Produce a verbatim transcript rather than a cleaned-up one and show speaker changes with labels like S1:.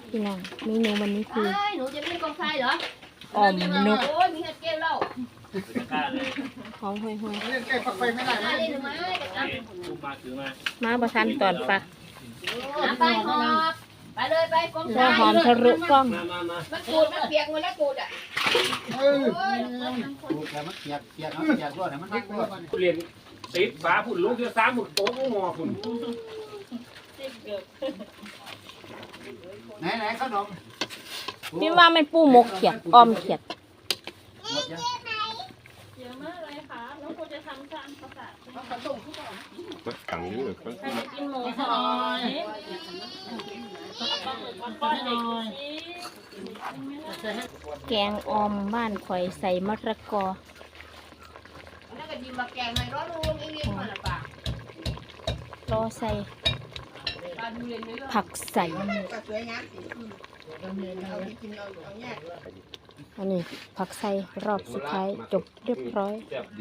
S1: พี่น้องเมนูวันนี้คือ
S2: หนูจะไม่กองทรายเหรอ
S1: อ่อมนก
S2: โอ้ยมีเห็ดเกลียวแล้ว
S1: หอมห่วยห่วย
S3: เล่นใกล้ปักไฟไม่ได้
S2: มาเลยหรือไม่จะกลับ
S4: ลูกมาถือมา
S1: มาประทันตอนปะ
S2: ไปหอบไปเลยไปกองท
S1: หัว
S2: ราย
S1: หอมทะลุกล้อง
S4: มามามา
S2: มันกูดมันเปียกหมดแล้วกูดอ่ะ
S3: เออ
S2: โอ้ย
S3: ดูแต่มันเปียกเปียกเนาะเปียกด้วยมันนักด้วย
S4: เรียนติดฟ้าผุ่นลูกเดียวสามผุ่นโต๊ะงอผุ่น
S3: ไหนไหนขนม
S1: พี่ว่ามันปูหมกเขียดออมเขียด
S3: หมดยัง
S5: เยอะมากเลยค่ะน้องครูจะทำจานประสาท
S6: ขังนี่หรือ
S5: ใครจะกินหมูสอยปลาหมึกก้อนๆเด็กชี้
S1: แกงออมบ้านข่อยใส่มะระกอ
S2: นั่นก็ยิมมาแกงในร้อนลงเองๆมาละป่ะ
S1: รอใส่
S2: ปลาดูเรียนไม่เลิก
S1: ผักใส่
S2: ก็สวยงามสิเอาที่กินเอาเอาแยก
S1: อันนี้ผักใส่รอบสุดท้ายจบเรียบร้อย